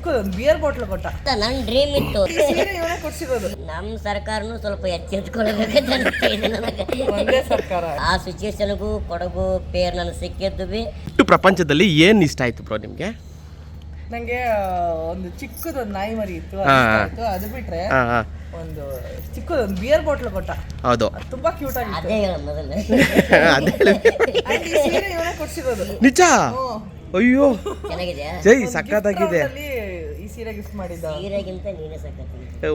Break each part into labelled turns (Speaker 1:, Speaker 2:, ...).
Speaker 1: ಚಿಕ್ಕದೊಂದು beer bottle ಕೊಟ್ಟ.
Speaker 2: ನನ್ನ dream ಇತ್ತು.
Speaker 1: ಇವನೇ ಕೊಡ್ಸಿರೋದು.
Speaker 2: ನಮ್ಮ ಸರ್ಕಾರನು ಸ್ವಲ್ಪ ಎಚ್ಚೆತ್ಕೊಳ್ಬೇಕಂತ ಅನಿಸ್ತಿದೆ ನನಗೆ.
Speaker 1: ಒಂದೇ ಸರ್ಕಾರ.
Speaker 2: ಆ ಸಿಚುವೇಶನ್ಗೂ ಕೊಡಗು ಪೇರ್ ನನಗೆ ಸಿಕ್ಕಿದ್ದು ಬಿ.
Speaker 3: ಪ್ರಪಂಚದಲ್ಲಿ ಏನು ಇಷ್ಟ ಆಯ್ತು ಬ್ರೋ ನಿಮಗೆ?
Speaker 1: ನಂಗೆ ಒಂದು ಚಿಕ್ಕದೊಂದು ನಾಯಿ ಮರಿ ಇತ್ತು, ಅದು ಬಿಟ್ರೆ ಒಂದು ಚಿಕ್ಕದೊಂದು ಬಿಯರ್ ಬಾಟ್ಲ್ ಕೊಟ್ಟ.
Speaker 3: ಹೌದು,
Speaker 1: ತುಂಬಾ ಕ್ಯೂಟ್ ಆಗಿತ್ತು.
Speaker 2: ಅದೇ ಹೇಳ ಮೊದಲು.
Speaker 1: ಇವನೇ ಕೊಡ್ಸಿರೋದು.
Speaker 3: ನಿಜ? ಅಯ್ಯೋ
Speaker 2: ಚೆನ್ನಾಗಿದೆ.
Speaker 3: ಜೈ, ಸಕ್ಕತ್ತಾಗಿದೆ.
Speaker 1: ಈ ಸೀರೆ ಗಿಫ್ಟ್ ಮಾಡಿದ್ದ.
Speaker 2: ಸೀರೆಗಿಂತ ನೀನೇ ಸಕ್ಕತ್ತಿದೆ.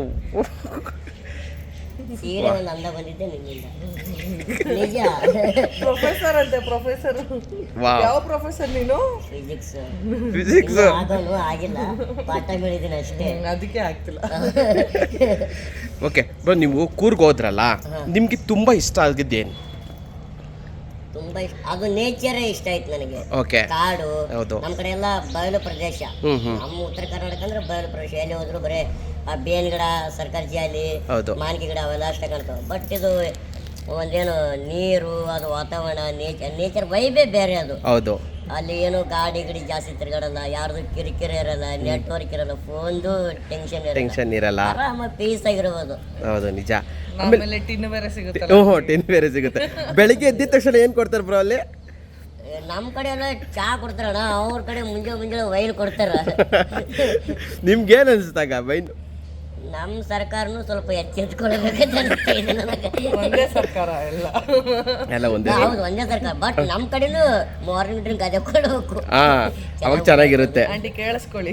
Speaker 2: ಸೀರೆ ಒಂದು ಅಂದ ಬಂದಿದ್ದೆ ನಿನ್ನಿಂದ. ನಿಜ.
Speaker 1: ಪ್ರೊಫೆಸರ್ ಅಂತೆ, ಪ್ರೊಫೆಸರ್. ಯಾವ ಪ್ರೊಫೆಸರ್ ನೀನು?
Speaker 2: ಫಿಸಿಕ್ಸ್.
Speaker 3: ಫಿಸಿಕ್ಸ್
Speaker 2: ಆಗೋನು ಆಗಿಲ್ಲ, ಪಾಠ ಬೆಳಿದ್ದೀನಿ ಅಷ್ಟೇ,
Speaker 1: ಅದಕ್ಕೆ ಆಗ್ತಿಲ್ಲ.
Speaker 3: ಓಕೆ ಬ್ರೋ, ನೀವು ಕೂರ್ಗ್ ಹೋದ್ರಲ್ಲ, ನಿಮ್ಗೆ ತುಂಬಾ ಇಷ್ಟ ಆಗಿದ್ದೇನು?
Speaker 2: ತುಂಬಾ ಇಷ್ಟ ಅದು ನೇಚರೇ ಇಷ್ಟ ಆಯ್ತು ನನಗೆ.
Speaker 3: ಓಕೆ.
Speaker 2: ಕಾಡು.
Speaker 3: ಹೌದು.
Speaker 2: ನಮ್ಮ ಕಡೆ ಎಲ್ಲ ಬಯಲು ಪ್ರದೇಶ. ನಮ್ಮ ಉತ್ತರ ಕರ್ನಾಟಕ ಅಂದ್ರೆ ಬಯಲು ಪ್ರದೇಶ. ಎಲ್ಲಿ ಹೋದ್ರು ಬರೀ ಆ ಬೇನ್ ಗಿಡ, ಸರ್ಕಾರಿ ಜಾಲಿ, ಮಾನ್ಕಿ ಗಿಡ ಅವೆಲ್ಲ ಅಷ್ಟೇ ಕಾಣ್ತಾವೆ. ಬಟ್ ಇದು ಒಂದೇನು ನೀರು, ಅದು ವಾತಾವರಣ, ನೇಚರ್ ವೈಬೇ ಬೇರೆ ಅದು.
Speaker 3: ಹೌದು.
Speaker 2: ಅಲ್ಲಿ ಏನು ಗಾಡಿ ಜಾಸ್ತಿ ತಿರ್ಗಾಡಲ್ಲ, ಯಾರ್ದು ಕಿರಿಕಿರಿ ಇರಲ್ಲ, ನೆಟ್ವರ್ಕ್ ಇರಲ್ಲ, ಫೋನ್ದು ಟೆನ್ಷನ್ ಇರಲ್ಲ, ಆರಾಮ ಪೀಸ್ ಆಗಿರ್ಬೋದು.
Speaker 3: ಹೌದು, ನಿಜ.
Speaker 1: ಆಮೇಲೆ ಟಿನ್ ಬೇರೆ ಸಿಗುತ್ತೆ.
Speaker 3: ಟಿನ್ ಬೇರೆ ಸಿಗುತ್ತೆ. ಬೆಳಿಗ್ಗೆ ಎದ್ದಿದ ತಕ್ಷಣ ಏನ್ ಕೊಡ್ತಾರೆ ಬ್ರೋ ಅಲ್ಲಿ?
Speaker 2: ನಮ್ಮ ಕಡೆ ಎಲ್ಲ ಚಾ ಕೊಡ್ತಾರಣ್ಣ, ಅವ್ರ ಕಡೆ ಮುಂಜಾನೆ ವೈನ್ ಕೊಡ್ತಾರ.
Speaker 3: ನಿಮ್ಗೇನ್ ಅನ್ಸುತ್ತಾಗ ವೈನ್?
Speaker 2: ನಮ್ಮ ಸರ್ಕಾರನು ಸ್ವಲ್ಪ ಎಚ್ಚೆತ್ಕೊಳ್ಬೇಕಂತ ಅನಿಸ್ತಿದೆ ನನಗೆ.
Speaker 1: ಒಂದೇ ಸರ್ಕಾರ
Speaker 3: ಎಲ್ಲ ಒಂದೇ.
Speaker 2: ಹೌದು, ಒಂದೇ ಸರ್ಕಾರ. ಬಟ್ ನಮ್ಮ ಕಡೆನೂ ಮಾರ್ನಿಂಗ್ ಡ್ರಿಂಕ್ ಅದೇ ಕೊಡಬೇಕು.
Speaker 3: ಅವಾಗ ಚೆನ್ನಾಗಿರುತ್ತೆ.
Speaker 1: ಆಂಟಿ ಕೇಳಿಸ್ಕೊಳ್ಳಿ,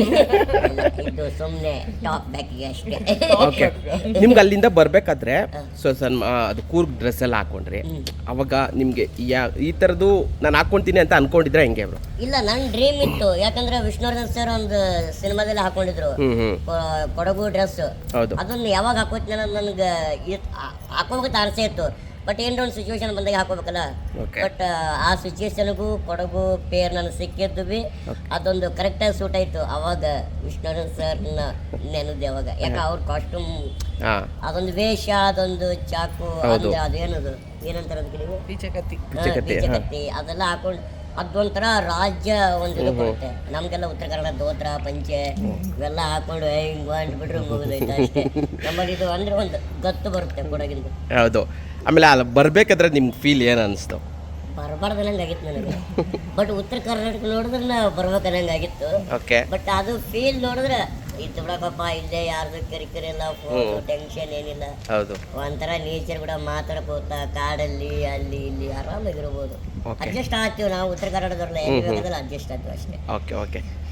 Speaker 2: ಇದು ಸುಮ್ಮನೆ ಟಾಪ್ ಬ್ಯಾಕಿಗೆ ಅಷ್ಟೇ.
Speaker 3: ಓಕೆ. ನಿಮ್ಗೆ ಅಲ್ಲಿಂದ ಬರ್ಬೇಕಾದ್ರೆ ಅದು ಕೂರ್ಗ್ ಡ್ರೆಸ್ ಎಲ್ಲ ಹಾಕೊಂಡ್ರಿ, ಅವಾಗ ನಿಮ್ಗೆ ಈ ತರದ್ದು ನಾನು ಹಾಕೊಂತೀನಿ ಅಂತ ಅನ್ಕೊಂಡಿದ್ರೆ ಹೆಂಗೆ ಬ್ರೋ?
Speaker 2: ಇಲ್ಲ, ನನ್ನ ಡ್ರೀಮ್ ಇತ್ತು. ಯಾಕಂದ್ರೆ ವಿಷ್ಣುವರ್ಧನ್ ಸರ್ ಒಂದು ಸಿನಿಮಾದಲ್ಲಿ ಹಾಕೊಂಡಿದ್ರು ಕೊಡಗು ಡ್ರೆಸ್. ಅದನ್ನ ಯಾವಾಗ ಹಾಕೋತೀನಿ ಅನ್ನೋದು ನನಗೆ ಹಾಕೋಬೇಕಂತ ಆಸೆ ಇತ್ತು. ಬಟ್ ಏನೋ ಒಂದು ಸಿಚುವೇಶನ್ ಬಂದಾಗ ಹಾಕೋಬೇಕಲ್ಲ. ಬಟ್ ಆ ಸಿಚುವೇಶನ್ಗೂ ಕೊಡಗು ಪೇರ್ ನನಗೆ ಸಿಕ್ಕಿದ್ದು ಬಿ ಅದೊಂದು ಕರೆಕ್ಟಾಗಿ ಸೂಟ್ ಆಯ್ತು. ಅವಾಗ ವಿಷ್ಣುವರ್ಧನ್ ಸರ್ನ ನೆನದೆ ಅವಾಗ. ಯಾಕೆ ಅವ್ರ ಕಾಸ್ಟ್ಯೂಮ್, ಅದೊಂದು ವೇಷ, ಅದೊಂದು ಚಾಕು, ಅಂದ್ರೆ ಅದೇನದು ಏನಂತಾರೆ ಅದಕ್ಕೆ ನೀವು? ಬೀಚಕತ್ತಿ ಅದೆಲ್ಲ ಹಾಕೊಂಡು ಅದೊಂಥರ ರಾಜ್ಯ ಒಂದು ಇದು ಬರುತ್ತೆ. ನಮ್ಗೆಲ್ಲ ಉತ್ತರ ಕನ್ನಡ ದೋತ್ರ ಪಂಚೆ ಇವೆಲ್ಲ ಹಾಕೊಂಡು ಹಿಂಗ್ ಅಂದ್ಬಿಟ್ರೆ ಮುಗಿದೈತೆ ಅಷ್ಟೇ. ನಮ್ಮಲ್ಲಿ ಇದು ಅಂದ್ರೆ ಒಂದು ಗತ್ತು ಬರುತ್ತೆ ಕೊಡಗಿಂದು.
Speaker 3: ಹೌದು. ಆಮೇಲೆ ಅಲ್ಲಿ ಬರ್ಬೇಕಾದ್ರೆ ನಿಮ್ಗೆ ಫೀಲ್ ಏನು ಅನಿಸ್ತು?
Speaker 2: ಬರಬಾರ್ದನ್ನಂಗಾಗಿತ್ತು ನನಗೆ. ಬಟ್ ಉತ್ತರ ಕರ್ನಾಟಕ ನೋಡಿದ್ರೆ ಬರ್ಬೇಕನ್ನಂಗಾಗಿತ್ತು. ಬಟ್ ಅದು ಫೀಲ್ ನೋಡಿದ್ರೆ ಇತ್ತು ಬಿಡಪ್ಪ, ಇಲ್ಲೇ ಯಾರ್ದು ಕಿರಿಕಿರಿ ಇಲ್ಲ, ಫೋನ್ ಟೆನ್ಷನ್ ಏನಿಲ್ಲ. ಒಂಥರ ನೇಚರ್ ಕೂಡ ಮಾತಾಡ್ಕೋತಾ ಕಾಡಲ್ಲಿ ಅಲ್ಲಿ ಇಲ್ಲಿ ಆರಾಮಾಗಿರ್ಬೋದು. ಅಡ್ಜಸ್ಟ್ ಆಗ್ತೀವಿ ನಾವು ಉತ್ತರ ಕನ್ನಡದವ್ರಲ್ಲ, ಎಲ್ಲಿ ಬೇಕಾದ್ರೆ ಅಡ್ಜಸ್ಟ್ ಆಗ್ತೀವಿ ಅಷ್ಟೇ.
Speaker 3: ಓಕೆ.